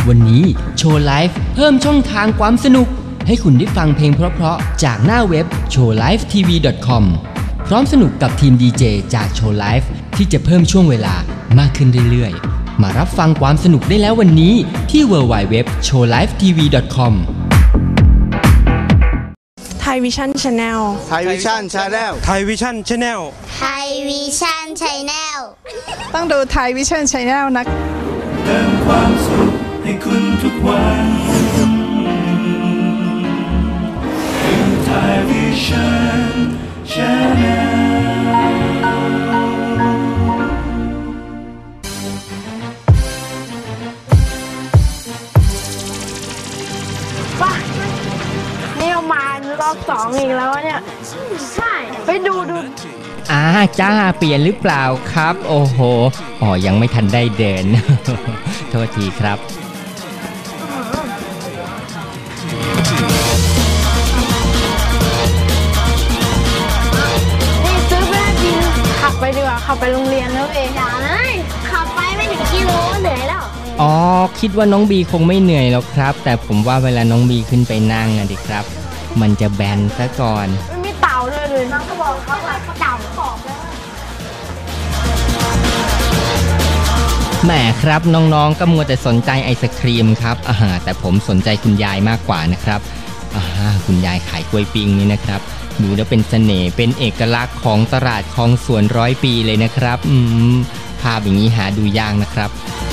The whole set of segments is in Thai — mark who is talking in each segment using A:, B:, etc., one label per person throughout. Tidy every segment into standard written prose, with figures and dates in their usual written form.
A: วันนี้โชว์ไลฟ์เพิ่มช่องทางความสนุกให้คุณได้ฟังเพลงเพราะๆจากหน้าเว็บ showlifetv.com พร้อมสนุกกับทีมดีเจจากโชว์ไลฟ์ที่จะเพิ่มช่วงเวลามากขึ้นเรื่อยๆมารับฟังความสนุกได้แล้ววันนี้ที่ www.showlifetv.com
B: ไทยวิชั่นชาแนล
C: ไทยวิชั่นชาแนล
D: ไทยวิชั่นชาแนล
E: ไทยวิชั่นชาแนล
B: ต้องดูไทยวิชั่นชาแนลนะ
F: เติมความสุขให้คุณทุกวันคือไทยวิชั่นชาแนล
B: ป่ะนี่มารอบ2อีกแล้วเนี่ยใช่ไปดู
A: จ้าเปลี่ยนหรือเปล่าครับโอ้โหยังไม่ทันได้เดิน โทษทีครับ
B: นี่ซื้อไปได้จริงขับไปดีกว่าขับไปโรงเรียนแล้วเอง
E: อย่าเลยขับไปไม่ถึงกิโลเหนื่อยแล้ว
A: คิดว่าน้องบีคงไม่เหนื่อยหรอกครับแต่ผมว่าเวลาน้องบีขึ้นไปนั่งดิครับมันจะแบนซะก่อน
B: ไม่มีเต่าด้วยเลย
E: น้องก็บอกเขาว่าเต่าบอกแล้ว
A: แหมครับน้องๆก็มัวแต่สนใจไอศครีมครับแต่ผมสนใจคุณยายมากกว่านะครับคุณยายขายกล้วยปิ้งนี่นะครับดูแล้วเป็นเสน่ห์เป็นเอกลักษณ์ของตลาดคลองสวน100 ปีเลยนะครับภาพอย่างนี้หาดูยากนะครับ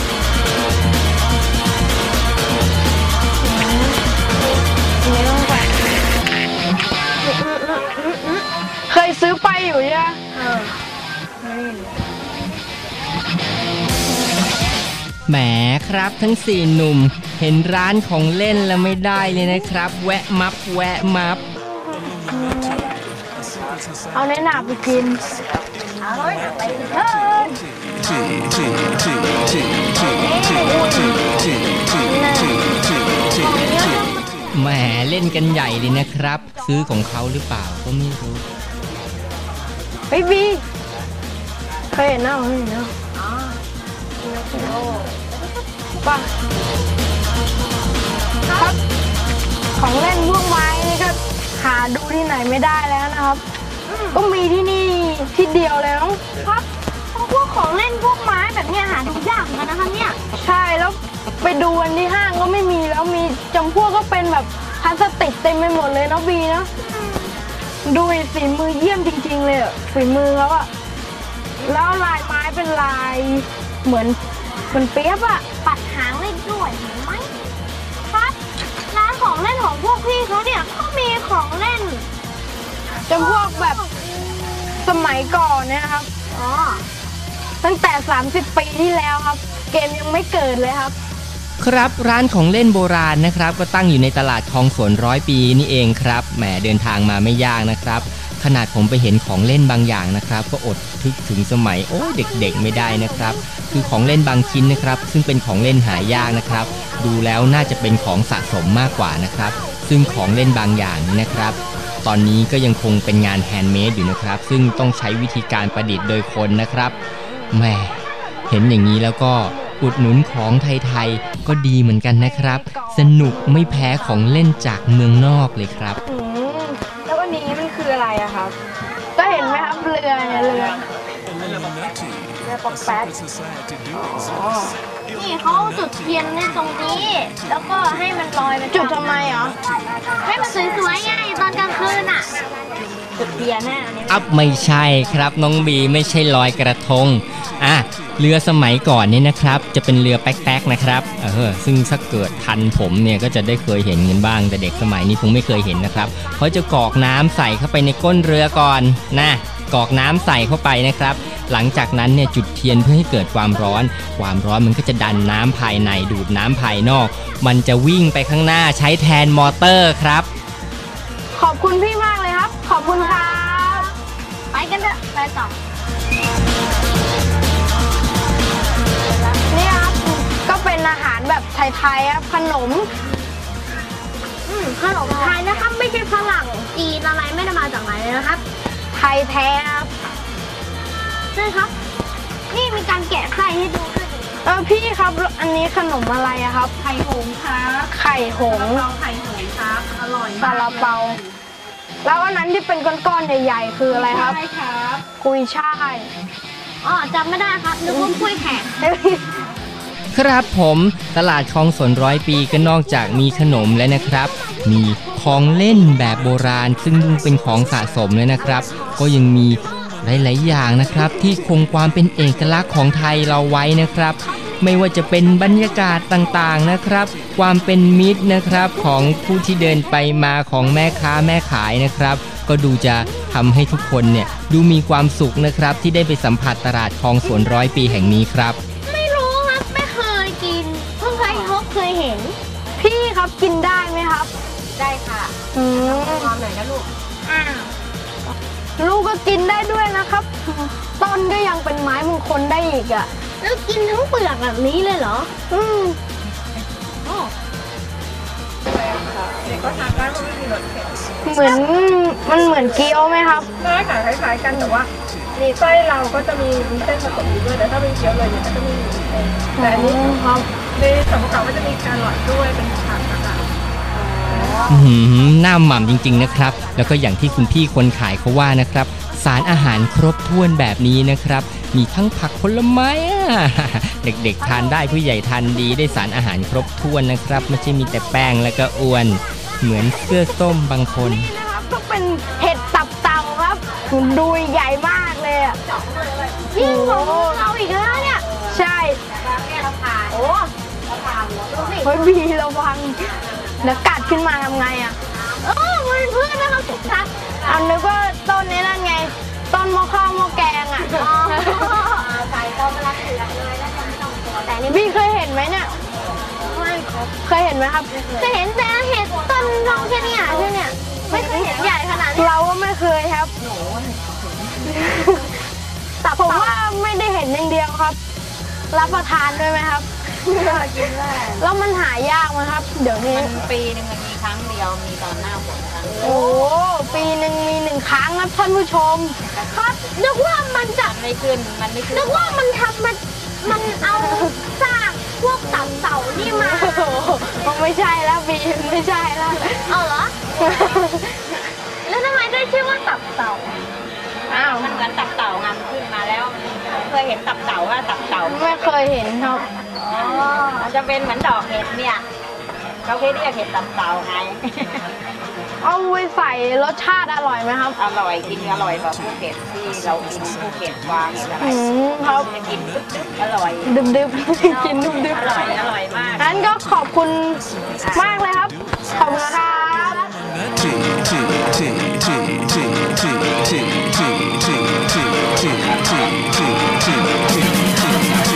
B: เคยซื้อไปอยู่ยัง
A: แหมครับทั้ง4หนุ่มเห็นร้านของเล่นแล้วไม่ได้เลยนะครับแวะมับ
B: เอาในหนาไปกิน
A: แหมเล่นกันใหญ่เลยนะครับซื้อของเขาหรือเปล่าก็ไม่รู้
B: เฮ้ยบีเคยเห็นหน้าเขาเนาะป่ะครับของเล่นพวกไม้นี่ก็หาดูที่ไหนไม่ได้แล้วนะครับก็มีที่นี่ที่เดียวเลย
E: ครับพวกของเล่นพวกไม้แบบนี้หาดูยากเหมือนกันนะคะเนี่ย
B: ใช่แล้วไปดูวันที่ห้างก็ไม่มีแล้วมีจำพวกก็เป็นแบบพลาสติกเต็มไปหมดเลยเนาะบีนะดูฝีมือเยี่ยมจริงๆเลยฝีมือเขาอะแล้วลายไม้เป็นลายเหมือนเปี๊ยบอะ
E: ปัดหางเล่นด้วยเห็นไหมครับร้านของเล่นของพวกพี่เขาเนี่ยก็มีของเล่น
B: จำพวกแบบสมัยก่อนเนี่ยครับตั้งแต่30 ปีที่แล้วครับเกมยังไม่เกิดเลยครับ
A: ครับร้านของเล่นโบราณนะครับก็ตั้งอยู่ในตลาดคลองสวน100 ปีนี่เองครับแหมเดินทางมาไม่ยากนะครับขนาดผมไปเห็นของเล่นบางอย่างนะครับก็อดทึกถึงสมัยเด็กๆไม่ได้นะครับคือของเล่นบางชิ้นนะครับซึ่งเป็นของเล่นหายากนะครับดูแล้วน่าจะเป็นของสะสมมากกว่านะครับซึ่งของเล่นบางอย่างนี้นะครับตอนนี้ก็ยังคงเป็นงานแฮนด์เมดอยู่นะครับซึ่งต้องใช้วิธีการประดิษฐ์โดยคนนะครับแหมเห็นอย่างนี้แล้วก็อุดหนุนของไทยๆก็ดีเหมือนกันนะครับสนุกไม่แพ้ของเล่นจากเมืองนอกเลยครับ
B: แล้ววันนี้มันคืออะไรอะครับก็เห็นไหมครับเรือเนี่ยเรือปอกแป๊ก
E: นี่เขาจุดเทียนในตรงนี้แล้วก็ให้มันลอยไป
B: จุดทำไมเหรอ
E: ให้มันสวยๆไงตอนกลางคืนอะจุดเทียนแน่
A: ไม่ใช่ครับน้องบีไม่ใช่ลอยกระทงเรือสมัยก่อนนี่นะครับจะเป็นเรือแป๊กๆนะครับซึ่งถ้าเกิดทันผมเนี่ยก็จะได้เคยเห็นกันบ้างแต่เด็กสมัยนี้คงไม่เคยเห็นนะครับเขาจะกรอกน้ำใส่เข้าไปในก้นเรือก่อนกรอกน้ำใส่เข้าไปนะครับหลังจากนั้นเนี่ยจุดเทียนเพื่อให้เกิดความร้อนมันก็จะดันน้ำภายในดูดน้ำภายนอกมันจะวิ่งไปข้างหน้าใช้แทนมอเตอร์ครับ
B: ขอบคุณพี่มากเลยครับขอบคุณครับ
E: ไปกันเถอะไปต่อ
B: นี่ครับก็เป็นอาหารแบบไทยๆครับขนม
E: ไทยนะครับไม่ใช่ฝรั่งจีนอะไรไม่ได้มาจากไหนเลยนะครับ
B: ไทยแท้ครับ
E: ใช่ครับนี่มีการแกะไส้ให้ดูด้วย
B: พี่ครับอันนี้ขนมอะไรอะครับ
E: ไข่หงส์ครับ
B: ไข่หงส์
E: เราไข่หงส์ครับอร่อยมาก
B: ซาลาเปาแล้วอันนั้นที่เป็นก้อนๆใหญ่ๆคืออะไรครับ
E: ใช่ครับ
B: กุยช่าย
E: อ๋อจำไม่ได้ครับนึกว่าคุยแขก
A: ครับผมตลาดคลองสนร้อยปีก็นอกจากมีขนมแล้วนะครับ มีของเล่นแบบโบราณซึ่งเป็นของสะสมเลยนะครับ ก็ยังมีหลายๆอย่างนะครับ ที่คงความเป็นเอกลักษณ์ของไทยเราไว้นะครับ ไม่ว่าจะเป็นบรรยากาศต่างๆนะครับ ความเป็นมิตรนะครับของผู้ที่เดินไปมาของแม่ค้าแม่ขายนะครับ ก็ดูจะทำให้ทุกคนเนี่ยดูมีความสุขนะครับที่ได้ไปสัมผัสตลาดคลองสวนร้อยปีแห่งนี้ครับ
E: ไม่รู้ครับไม่เคยกินเพิ่งเคยเห็น
B: พี่ครับกินได้ไหมครับ
E: ได้ค่ะ
B: อืม
E: พร้อมหน่อยนะลูกอ้าว
B: ลูกก็กินได้ด้วยนะครับ ต้นก็ยังเป็นไม้มงคลได้อีกอ่ะ
E: แล้วกินทั้งเปลือกแบบนี้เลยเหรอ
B: อืม
E: โอ้
B: เหมือนมันเหมือนเกี๊ยวไหมครับ
C: ได้ค่ะคล้ายๆกันแต่ว่ามีไส้เราก็จะมีเส้นผสมอยู่ด้วยแต่ถ้าเป็นเกี๊ยวเลยเนี่ยก็จะไม่มีเส้นแต่อันนี้
B: ครับ
C: ในส่วนประกอบก็จะมีแครอทด้วยเป็นผักนะคะ
A: หน้าหม่ำจริงๆนะครับ แล้วก็อย่างที่คุณพี่คนขายเขาว่านะครับ สารอาหารครบถ้วนแบบนี้นะครับ มีทั้งผักผลไม้ เด็กๆทานได้ผู้ใหญ่ทานดีได้สารอาหารครบถ้วนนะครับไม่ใช่มีแต่แป้งแล้วก็อ้วน เหมือนเสื้อส้มบางคน
B: นี่นะครับก็เป็นเห็ดตับเต่าครับดูใหญ่มากเลยอ่ะ
E: ยิ่งของเราอีกแล้วเนี่ย
B: ใช่
E: โอ้เราผ่านดูสิ
B: เฮ้ยบีระวังเดี๋ยวกัดขึ้นมาทำไงอ่ะ
E: มันเป็นพืชนะครับทุกท่าน
B: เอานึกว่าต้นนี้นั่นไง ต้นหม้อข้าวหม้อแกงอ่ะ
E: ใส่ต้มมะระเขือเลยแล้วจะไม่ต้องกลัวแต่นี่
B: บีเคยเห็นไหมเนี่ยเคยเห็นไหมครับ
E: จะเห็นแต่เห็ดต้นเราแค่เนี้ใช่เนี่ยไม่เคยเห็นใหญ่ขนาดนี้
B: เราก็ไม่เคยครับแต่ผมว่าไม่ได้เห็นอย่างเดียวครับ รับประทานด้วยไหมครับ
C: กินได้
B: แล้วมันหายากไหมครับ เดี๋ยวนี้
D: ปีหนึงมันมีครั้งเดียว มีตอนหน้าฝนครั้งเดียว
B: โอ้ปีหนึ่งมี1 ครั้งครับท่านผู้ชม
E: ครับนึกว่ามันจะ
D: มันไม่ขึ้น มันไม่ขึ้น
E: นึกว่ามันทำมันเอาซากพวกตับเต่านี่มา
B: โอ้โหไม่ใช่แล้วบีไม่ใช่แล้ว
E: เอาเหรอ แล้วทำไมได้ชื่อว่าตับเต่า
B: อ้าว
D: มันเหมือนตับเต่าไงมันขึ้นมาแล้วมันเคยเห็นตับเต่าว่าตับเต่า
B: ไม่เคยเห็นครับ
D: อ๋อมันจะเป็นเหมือนดอกเห็ดเนี่ยเขาเคยเรียกเห็ดตับเต่าไง
B: เอาไว้ใส่รสชาติอร่อยไหมครับ
D: อร่อยกินอร่อยกว่าภูเก็ตที่เรากินภูเก็ตวางอะไร
B: ครับ
D: จะกินดึ๊บๆอร่อย
B: ดึบๆ กินดึบ
D: อร่อยอร่อยมาก
B: ๆงั้นก็ขอบคุณมากเลยครับ ขอบคุณครับ
F: T T T T T T T T T T T T T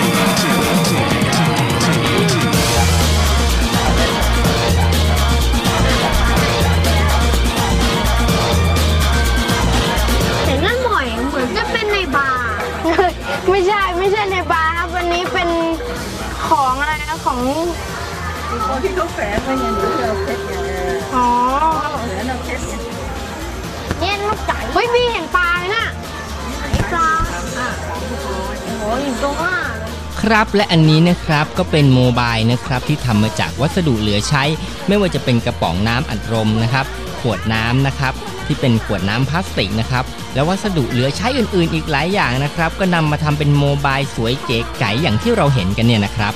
E: เห็นนั่นบ่อยเหมือนจะเป็นในบาร์
B: ไม่ใช่ในบาร์ครับวันนี้เป็นของอะไรนะของ
C: คนที่เขาแฝงไว้เนี่ยหรือเราเพชรเนี่ย
B: อ๋อ
C: เหลือเราเพชรเนี่ย
E: เนี่ยลูกไก่
B: เฮ้ยบีเห็นปลาไหมน่ะ
E: ไหนปลาโอ้ยอยู่ตรงหน้าเลย
A: ครับและอันนี้นะครับก็เป็นโมบายนะครับที่ทำมาจากวัสดุเหลือใช้ ไม่ว่าจะเป็นกระป๋องน้ำอัดลมนะครับขวดน้ำนะครับที่เป็นขวดน้ำพลาสติกนะครับแล้ววัสดุเหลือใช้อื่นๆอีกหลายอย่างนะครับก็นำมาทำเป็นโมบายสวยเก๋ไก๋อย่างที่เราเห็นกันเนี่ยนะครับ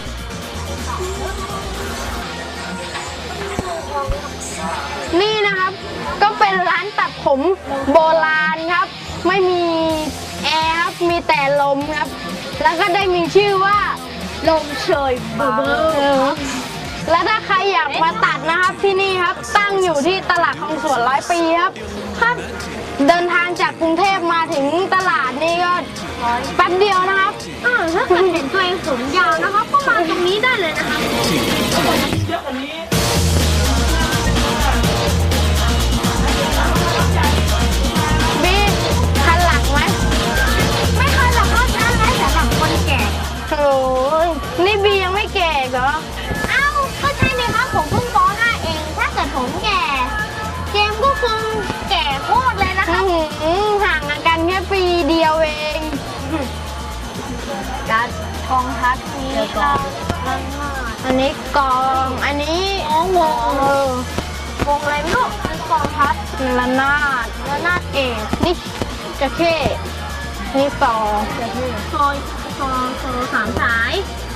B: นี่นะครับก็เป็นร้านตัดผมโบราณครับ ไม่มีแอร์ครับมีแต่ลมครับ แล้วก็ได้มีชื่อว่าลมเชยเบอร์และถ้าใครอยากมาตัดนะครับที่นี่ครับตั้งอยู่ที่ตลาดคลองสวนร้อยปีครับครับเดินทางจากกรุงเทพมาถึงตลาดนี่ก็แป๊บเดียวนะครับ
E: ถ้าเกิดเห็นตัวเองผมยาวนะครับ ก็มาตรงนี้ได้เลยนะครับ
B: บีคันหลังไหม
E: ไม่เคยหรอกครับนั่นไว้สำหรับคนแก่
B: โอ้ยนี่บียังไม่แก่อีกเหรอ
E: เอ้า ก็ใช่ไหมครับ ผมเพิ่งป .5 เอง ถ้าเกิดผมแก่ เกมก็คงแก่โคตรเลยนะครับ
B: ห่างกันแค่ปีเดียวเอง
E: จะท
B: กองทัพนี้อันนี้กองอันนี้วงวงอะไรไม่รู้กองทัพระนาดเอกนี่จะเข้นี่ซอสามสาย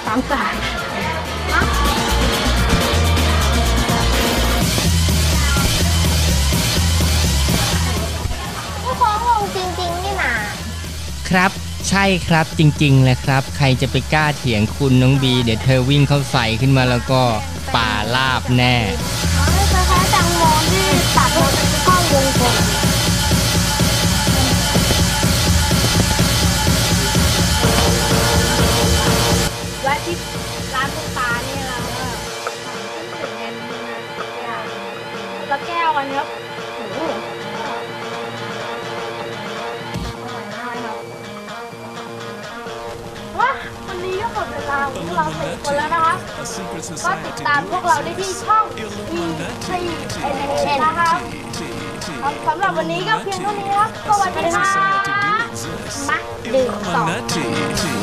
E: ผู้ฟ้องวงจริงๆนี่นา
A: ครับใช่ครับจริงๆแหละครับใครจะไปกล้าเถียงคุณน้องบีเดี๋ยวเธอวิ่งเข้าใส่ขึ้นมาแล้วก็ป่าลาบแน่
E: คล้ายๆแตงโมที่ตัดมาเป็นก้อนวงกลม
D: แวะที่ร้านคุณตานี่เราก็ถึงเงินละแก้วอันนี้ครับ
B: ว้าวันนี้ก็หมดเวลาของพวกเรา4คนแล้วนะคะก็ติดตามพวกเราได้ที่ช่อง E4NN นะคะสำหรับวันนี้ก็เพียงเท่านี้ครับสวัสดีค่ะ
E: มาดื่มต่อ
F: T, T,